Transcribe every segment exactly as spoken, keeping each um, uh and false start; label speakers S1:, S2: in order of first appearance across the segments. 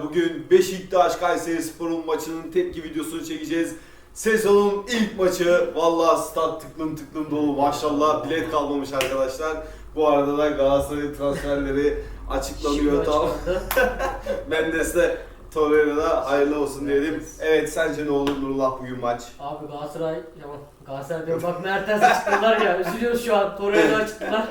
S1: bugün Beşiktaş Kayserispor'un maçının tepki videosunu çekeceğiz. Sezonun ilk maçı. Vallahi stat tıklım tıklım dolu, maşallah bilet kalmamış arkadaşlar. Bu arada da Galatasaray'ın transferleri açıklanıyor tam. Mendes de Torreira'da hayırlı olsun diyelim. Evet, sence ne olur Nurullah bugün maç?
S2: Abi Galatasaray, ya Galatasaray diyorum bak Mertens'e çıktılar ya, üzülüyoruz şu an, Torreira'ya çıktılar.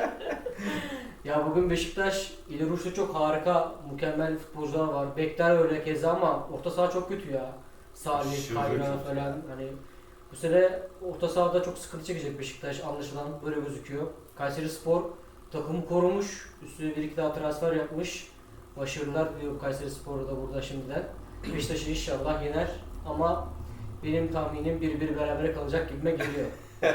S2: Ya bugün Beşiktaş, İleri uçta çok harika, mükemmel futbolcular var. Bekler öyle keza ama orta saha çok kötü ya. Salih, Kayran falan, hani bu sene orta sahada çok sıkıntı çekecek Beşiktaş anlaşılan, böyle gözüküyor. Kayserispor takımı korumuş, üstüne bir iki daha transfer yapmış. Başarılar diliyorum Kayserispor'a da burada şimdiden. Beşiktaş'ı inşallah yener ama benim tahminim bir bir berabere kalacak gibime geliyor.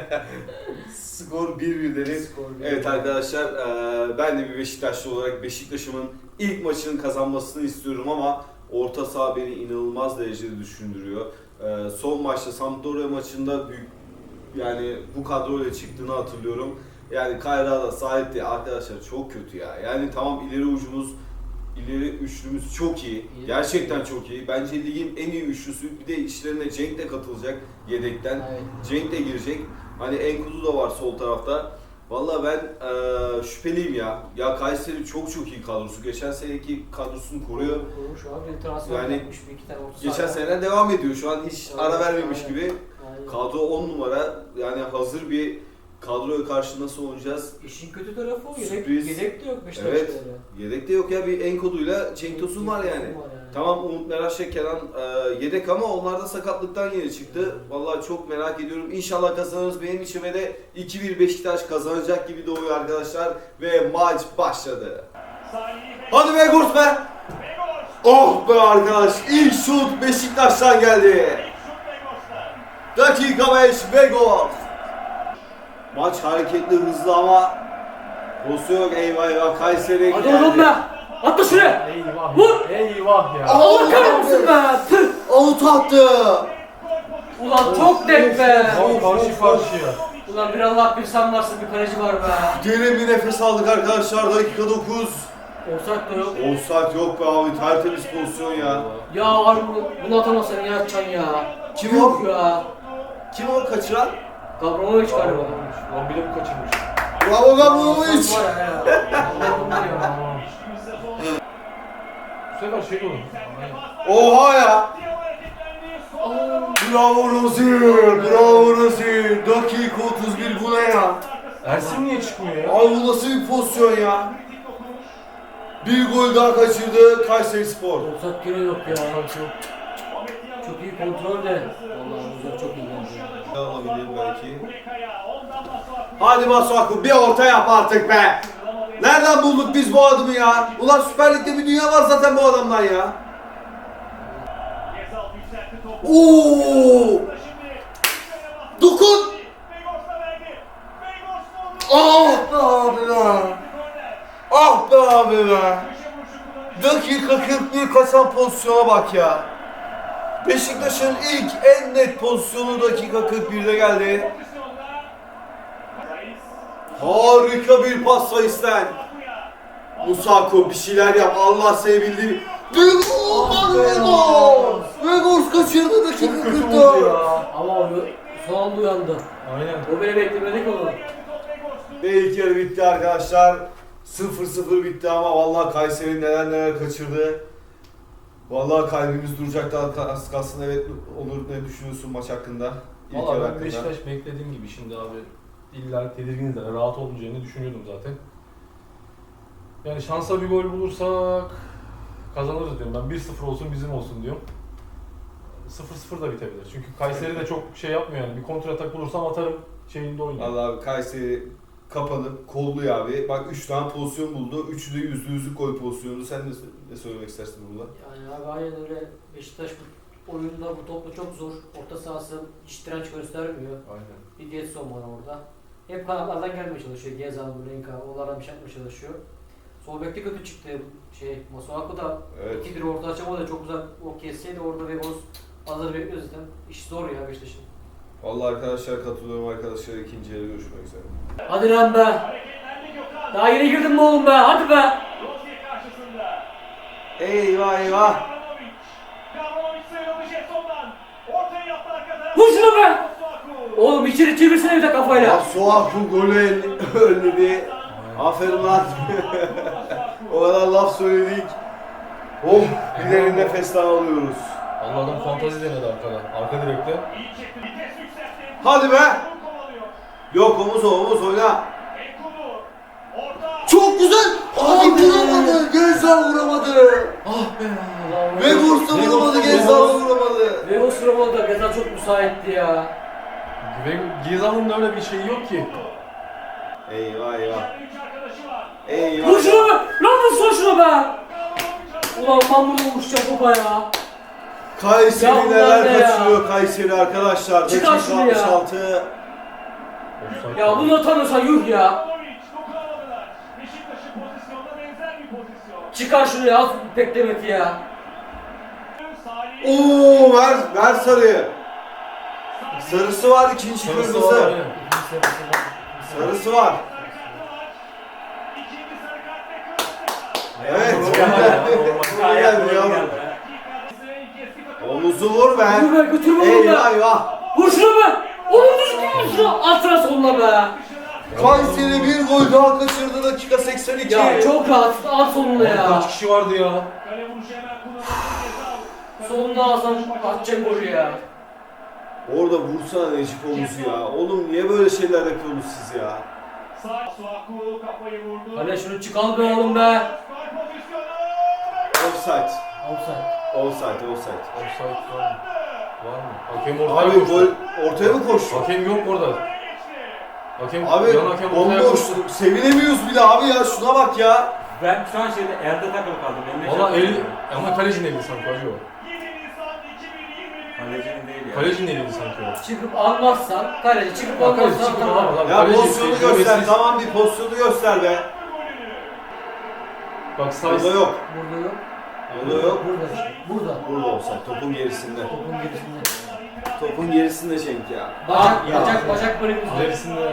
S1: Skor bir bir dedik. Evet arkadaşlar, e, ben de bir Beşiktaşlı olarak Beşiktaş'ımın ilk maçının kazanmasını istiyorum ama orta saha beni inanılmaz derecede düşündürüyor. E, son maçta Sampdoria maçında büyük, yani bu kadroyla çıktığını hatırlıyorum. Yani Kayra'da sahipti arkadaşlar, çok kötü ya. Yani tamam, ileri ucumuz, ileri üçlümüz çok iyi. Gerçekten çok iyi. Bence ligin en iyi üçlüsü. Bir de işlerine Cenk de katılacak yedekten.
S2: Evet.
S1: Cenk de girecek. Hani Enkudu da var sol tarafta. Vallahi ben e, şüpheliyim ya. Ya Kayseri çok çok iyi kadrosu. Geçen seneki kadrosunu koruyor.
S2: Kurumuş abi, bir transfer
S1: Yani
S2: yapmış, bir iki tane orta
S1: Geçen
S2: saha.
S1: seneden devam ediyor. Şu an hiç
S2: Aynen,
S1: ara vermemiş
S2: aynen.
S1: gibi.
S2: Aynen.
S1: Kadro on numara. Yani hazır bir kadroya karşı nasıl oynayacağız?
S2: İşin kötü tarafı o, yedek,
S1: Sürpriz.
S2: yedek de yok Beşiktaş'ta
S1: Evet.
S2: öyle.
S1: Yedek de yok ya. Bir Enkudu'yla Cenk Tosun var yani. Tamam, Umut Meraş'la Kenan e, yedek ama onlar da sakatlıktan yeni çıktı. Vallahi çok merak ediyorum. İnşallah kazanırız. Benim içime de iki bir Beşiktaş kazanacak gibi doğuyor arkadaşlar. Ve maç başladı. Hadi be Gurs be! Oh be arkadaş! İlk şut Beşiktaş'tan geldi. Dakika beş ve gol. Maç hareketli, hızlı ama pozisyon yok. Eyvah eyvah, Kayseri'ye
S2: Hadi
S1: geldi.
S2: oğlum be! Atla şuraya!
S3: Eyvah
S2: Vur!
S3: ya. Eyvah ya.
S2: Allah kahretsin be! Tüh!
S1: Out attı.
S2: Ulan çok denk be!
S3: Tam karşı karşıya.
S2: Ulan bir Allah bir sen varsın, bir kaleci var be!
S1: Derin bir nefes aldık arkadaşlar. Dakika dokuz.
S2: Olsak da yok.
S1: Offside yok be abi. Tertemiz pozisyon ya.
S2: Ya harbi bunu atamazsan ya Can ya.
S1: Kim
S2: Yok
S1: o?
S2: ya.
S1: Kim o kaçıran?
S2: Gavranovic galiba.
S3: Lan bir de bu kaçırmış.
S1: Bravo Gavranovic.
S2: Var ya ya. Allah'ım ya.
S3: Bu sefer şey olur.
S1: Oha ya. Bravo Rozir. Bravo Rozir. Dakika otuz bir, bu ne ya?
S3: Ersin niye çıkmıyor ya?
S1: Abi bu nasıl bir pozisyon ya? Bir gol daha kaçırdı Kayserispor.
S2: Olsak gene yok ya. Çok, çok iyi kontrol de. Vallahi güzel, çok iyi bence.
S1: Alabilir belki. Hadi Masuaku, bir orta yap artık be. Nereden bulduk biz bu adamı ya? Ulan Süper Lig'de bir dünya var zaten bu adamdan ya. Oo! Dokun! Ah be abi be! Ah be abi be! Dakika kırk bir, kaçan pozisyona bak ya. Beşiktaş'ın ilk en net pozisyonu dakika kırk birde geldi. Harika bir pas Sayıs'ten. Musako bir şeyler yap, Allah seni bildiği. Bir gol var ve gol! Ve gol kaçırdı dakika kırk dört.
S2: Ama o son anda uyandı.
S3: Aynen.
S2: O beni beklemedik onu.
S1: Ve ilk yarı bitti arkadaşlar. sıfır sıfır bitti ama vallahi Kayseri neler neler kaçırdı. Vallahi kalbimiz duracaktı az kalsın. Evet Onur, ne düşünüyorsun maç hakkında? İlk yarı
S3: Valla ben
S1: hakkında.
S3: Beşiktaş beklediğim gibi şimdi abi. İlla tedirginiz de rahat olmayacağını düşünüyordum zaten. Yani şansa bir gol bulursak kazanırız diyorum. Ben bir sıfır olsun bizim olsun diyorum. sıfır sıfır da bitebilir. Çünkü Kayseri de çok şey yapmıyor yani. Bir kontratak bulursam atarım şeyinde oynuyor.
S1: Vallahi abi Kayseri kapanıp kolluyor abi. Bak üç tane pozisyon buldu. üçü de yüzde yüzlük gol pozisyonu. Sen ne, ne söylemek istersin burada?
S2: Yani abi aynen öyle. Beşiktaş bu oyunda bu topla çok zor. Orta sahası hiç direnç göstermiyor.
S3: Aynen.
S2: Bir Getson var orada. Hep kanatlardan gelmeye çalışıyor. Gezal, Burenka, onlardan bir şey yapmaya çalışıyor. Sol bekte kötü çıktı şey. Masuaku da
S1: Evet.
S2: iki bir orta açamadı, çok güzel o kesseydi orada Vegos hazır bekliyor zaten. İş zor ya Beşiktaş'ın.
S1: Vallahi arkadaşlar katılıyorum arkadaşlar. İkinci yarı görüşmek üzere.
S2: Hadi lan be! Daha yeni girdin mi oğlum be? Hadi be!
S1: Eyvah eyvah!
S2: Vur şunu be! Oğlum içeri çevirsene bir de kafayla.
S1: Masuaku golü önledi. Aferin lan. O kadar laf söyledik. Oh, bir derin nefes daha alıyoruz.
S3: Allah adam fantazi denedi arkada. Arka direkte.
S1: Hadi be. Yok omuz o, omuz oyna. Çok güzel. Abi vuramadı. Gezal vuramadı.
S3: Ah be.
S1: Ve vursa vuramadı. Gezal vuramadı.
S2: Ve o sırada da Gezal çok müsaitti ya.
S3: Ve Gezal'ın da öyle bir şeyi yok ki.
S1: Eyvah eyvah. Eyvah.
S2: Vur şunu be! Lan vursun şunu be! Ulan ben bunu vurmuşacağım baba ya.
S1: Kayseri
S2: Ya
S1: neler
S2: ulan ne ya?
S1: kaçırıyor Kayseri arkadaşlar.
S2: Çıkar
S1: Dakika
S2: şunu ya.
S1: altmış altı.
S3: Offside.
S2: Ya bunu atamıyorsan yuh ya. Çıkar şunu ya, az beklemeti ya.
S1: Oo ver ver sarıyı. Sarısı var ikinci
S3: Sarısı
S1: kırmızı.
S3: var, aynen.
S1: Sarısı var. Evet.
S3: Normal.
S1: Ne geldi ya? Omuzu vur be.
S2: Vur be, götür bunu
S1: Eyvah
S2: be.
S1: eyvah.
S2: Vur şunu be. Oğlum düzgün vur şunu. Altına sonuna be.
S1: Kayseri bir gol daha kaçırdı dakika seksen iki.
S2: Ya çok rahat, al sonuna ya.
S3: Kaç kişi vardı ya?
S2: Sonuna alsam atacak golü ya.
S1: Orada vursana Necip omuzu ya. Oğlum niye böyle şeyler yapıyorsunuz siz ya?
S2: Hadi şunu çıkal be oğlum be.
S1: Offside.
S2: Offside.
S1: Offside, offside.
S3: Offside var mı? Var mı? Hakem ortaya
S1: Abi
S3: koştu.
S1: gol ortaya mı koştu?
S3: Hakem yok orada. Hakem,
S1: Abi
S3: yan hakem ortaya
S1: bomboş.
S3: koştu.
S1: Sevinemiyoruz bile abi ya. Şuna bak ya.
S4: Ben şu an şeyde elde takılı kaldım. Elimde
S3: Valla
S4: çarptı.
S3: eli, ama kalecinin eli sanki acıyor.
S4: Kalecinin değil ya.
S3: Kalecinin eliydi sanki o.
S2: Çıkıp almazsan, kaleci çıkıp
S3: Kaleci
S2: almazsan
S3: çıkıp
S2: tamam.
S3: alamaz abi.
S1: Ya
S3: Kaleci
S1: pozisyonu
S3: tecrübesiz.
S1: göster. Tamam bir pozisyonu göster be.
S3: Bak sağ
S1: Burada yok.
S2: Burada yok.
S1: Burada yok.
S2: Burada işte. Burada.
S1: Burada olsa topun gerisinde.
S2: Topun gerisinde.
S1: Topun gerisinde Cenk ya.
S2: Bacak,
S1: ya.
S2: bacak, bacak bölümümüzde.
S3: ilerisinde.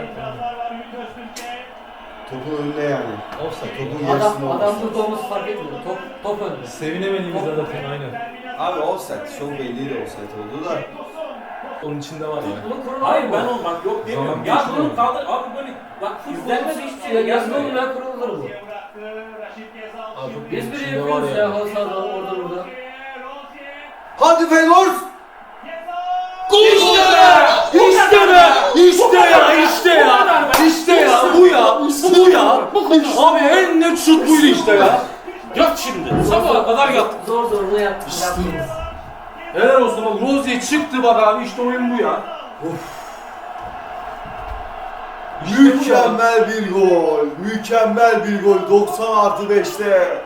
S1: Topun önünde yani.
S3: Offside.
S1: Topun gerisinde
S2: Adam, adam
S1: olması.
S2: burada olması fark etmiyor. Top, top önde.
S3: Sevinemediğimiz zaten aynen.
S1: Abi offside. Çok belliydi offside olduğu da.
S3: Onun içinde var ya.
S2: Bunu kurun
S4: Hayır ben
S2: mu?
S4: olmak yok demiyorum.
S3: Zaman
S4: Ya
S3: geçiyor
S4: bunu
S3: mu?
S4: kaldır abi böyle bak
S2: İzlenmez
S4: izlenmez
S2: hiçbir şey ya. Yazın oğlum ya kurulur bu.
S3: Abi çok
S2: Biz bile
S3: içinde var
S2: yapıyoruz ya
S3: ya.
S2: halı sahada orada burada.
S1: Hadi Feyenoord!
S2: İşte be! İşte be! İşte ya! İşte ya! İşte ya! Bu ya! Bu ya!
S4: Abi en net şut buydu işte ya. Yat şimdi. Sabaha kadar yat.
S2: Zor zor ne yaptık? Yaptınız.
S4: Helal olsun bak Rozier çıktı bak abi işte oyun bu ya.
S1: Mükemmel bir gol. Mükemmel bir gol. doksan artı beşte.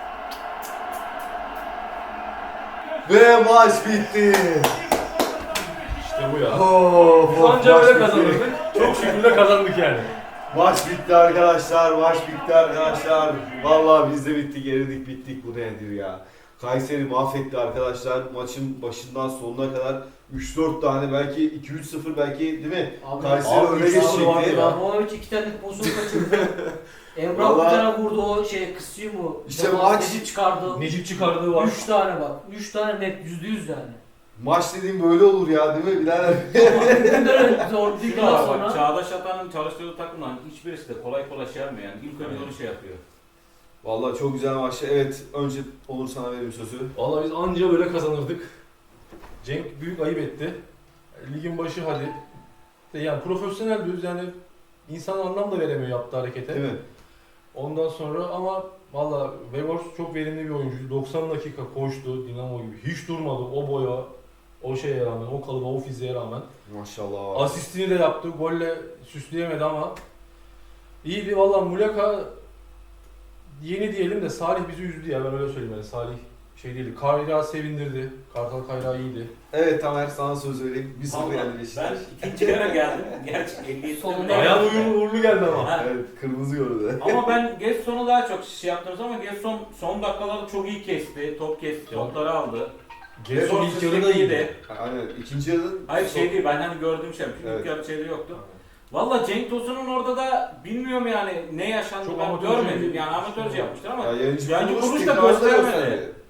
S1: Ve maç bitti.
S3: İşte bu ya.
S1: Of,
S3: Biz
S1: of,
S3: anca
S1: maç
S3: böyle
S1: bitti.
S3: kazanırdık. Çok şükür de kazandık yani.
S1: Maç bitti arkadaşlar. Maç bitti arkadaşlar. Vallahi biz de bittik, eridik, bittik. Bu nedir ya? Kayseri mahvetti arkadaşlar. Maçın başından sonuna kadar üç dört tane belki iki üç sıfır belki değil mi?
S2: Abi,
S1: Kayseri
S3: abi,
S1: öne
S3: üç sıfır vardı
S1: geçecekti.
S3: ya.
S2: Abramovich iki tane pozisyon kaçırdı. Emrah bir
S1: Vallahi-
S2: tane vurdu o şey kısıyor mu?
S1: İşte
S2: Devam
S1: maç-
S2: edip çıkardı.
S3: Necip çıkardığı var.
S2: Üç tane bak. Üç tane net yüzde yüz yani.
S1: Maç dediğim böyle olur ya değil mi birader?
S2: Bunların zor değil daha
S4: Bak
S2: sonra.
S4: Çağdaş Atan'ın çalıştığı takımdan hiçbirisi de kolay kolay şey yapmıyor yani. İlk önce onu şey yapıyor.
S1: Vallahi çok güzel maçtı. Evet, önce Onur sana vereyim sözü.
S3: Vallahi biz anca böyle kazanırdık. Cenk büyük ayıp etti. Ligin başı hadi. De Yani profesyonel diyoruz yani insan anlam da veremiyor yaptığı harekete.
S1: Değil mi?
S3: Ondan sonra ama valla Weghorst çok verimli bir oyuncu. doksan dakika koştu Dinamo gibi. Hiç durmadı o boya, o şeye rağmen, o kalıba, o fiziğe rağmen.
S1: Maşallah.
S3: Asistini de yaptı. Golle süsleyemedi ama iyiydi. Valla Muleka yeni diyelim de Salih bizi üzdü ya ben öyle söyleyeyim yani Salih şey değildi. Kayra sevindirdi. Kartal Kayra iyiydi.
S1: Evet Tamer sana söz vereyim. Bir sıfır yendi
S4: Ben
S1: Beşiktaş.
S4: ikinci kere geldim. Gerçi elli yedi
S2: Sonunda-
S3: Ayağın uğurlu, uğurlu geldi ama.
S4: Ha.
S1: Evet, kırmızı gördü.
S4: Ama ben Gesson'u daha çok şey yaptınız ama Gesson son dakikalarda çok iyi kesti. Top kesti, topları aldı.
S3: Gerson ilk yarı da iyiydi.
S1: Aynen, ikinci yarıda...
S4: Hayır şey değil, ben hani gördüğüm şey. Çünkü
S1: Evet.
S4: ilk yarı şeyde yoktu. Valla Cenk Tosun'un orada da bilmiyorum yani ne yaşandı
S3: Çok
S4: ben
S3: amatörce
S4: görmedim.
S3: bir-
S4: Yani amatörce yapmışlar ama
S1: Ya yayıncı
S4: Yayıncı
S1: kuruluş
S4: kuruluş da
S1: tekrarda
S4: göstermedi.
S1: gösterdi.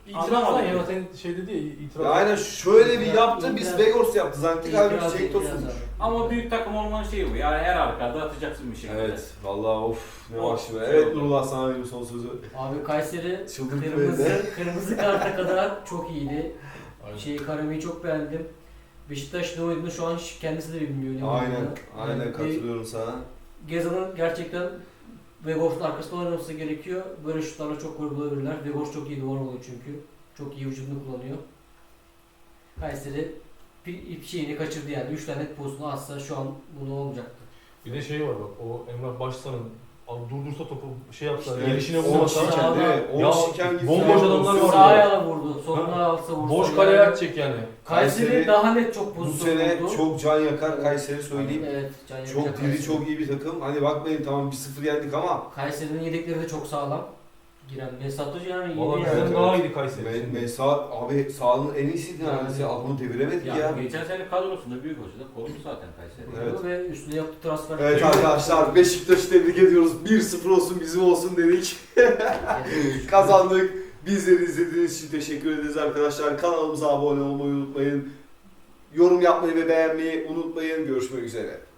S3: İtiraz
S4: Anlamadım.
S3: ya zaten şey dedi ya itiraz.
S1: Ya aynen şöyle bir
S2: İtiraz-
S1: yaptı, biz
S2: itiraz-
S1: Vegors yaptı zannettik, halbuki
S2: İtiraz-
S1: Cenk
S2: itiraz
S1: Tosun'muş.
S2: abi.
S4: Ama büyük takım olmanın şeyi bu. Yani her halükarda atacaksın bir şekilde.
S1: Evet, vallahi of ne
S4: Of,
S1: maçtı be.
S4: şey
S1: Evet
S4: oldu.
S1: Nurullah, sana benim son sözü.
S2: Abi Kayseri
S1: Çıldırdı
S2: kırmızı,
S1: beni.
S2: kırmızı karta kadar çok iyiydi.
S3: Aynen.
S2: Şey Karami'yi çok beğendim. Beşiktaş ne oynadığını şu an kendisi de bilmiyor. ne
S1: Aynen,
S2: oynadığını.
S1: aynen
S2: Yani
S1: katılıyorum sana.
S2: Gezal'ın gerçekten Vegors'un arkasında oynaması gerekiyor. Böyle şutlarla çok gol bulabilirler. Vegors çok iyi duvar oluyor çünkü. Çok iyi vücudunu kullanıyor. Kayseri bir şeyini kaçırdı yani. üç tane net pozisyonu atsa şu an bunu olmayacaktı.
S3: Bir de şey var bak, o Emrah Başsan'ın abi durdursa topu şey yapsa,
S1: İşte
S3: gelişine
S1: on
S3: vurmasa,
S2: şiken-
S1: şiken değil mi?
S3: Ya,
S1: on şiken gibi.
S3: bomboş adamlar var.
S2: Sağ ayağına vurdu. Soluna alsa vursa.
S3: boş
S2: yani.
S3: kaleye atacak yani.
S2: Kayseri,
S1: Kayseri
S2: daha net çok
S1: Bu
S2: pozisyon
S1: sene
S2: buldu.
S1: çok can yakar Kayseri söyleyeyim.
S2: Evet, can
S1: Çok
S2: yakacak
S1: diri,
S2: Kayseri.
S1: çok iyi bir takım. Hani bakmayın tamam bir sıfır yendik ama
S2: Kayseri'nin yedekleri de çok sağlam. Giren Mesut Hoca yani iyi
S3: Valla
S2: yani.
S3: bizden
S1: Evet,
S3: daha
S1: evet.
S3: iyiydi Kayseri.
S1: Me-
S3: Şimdi.
S1: Mesa abi sahanın en iyisiydi neredeyse.
S2: Yani.
S1: Adamı deviremedik ya.
S4: Ya, geçen sene kadrosunda büyük hoca da korktu zaten Kayseri.
S1: Evet.
S2: Ve üstüne yaptığı transfer.
S1: Evet arkadaşlar, Beşiktaş'ı tebrik ediyoruz. bir sıfır olsun bizim olsun dedik. Kazandık. Bizleri izlediğiniz için teşekkür ederiz arkadaşlar. Kanalımıza abone olmayı unutmayın. Yorum yapmayı ve beğenmeyi unutmayın. Görüşmek üzere.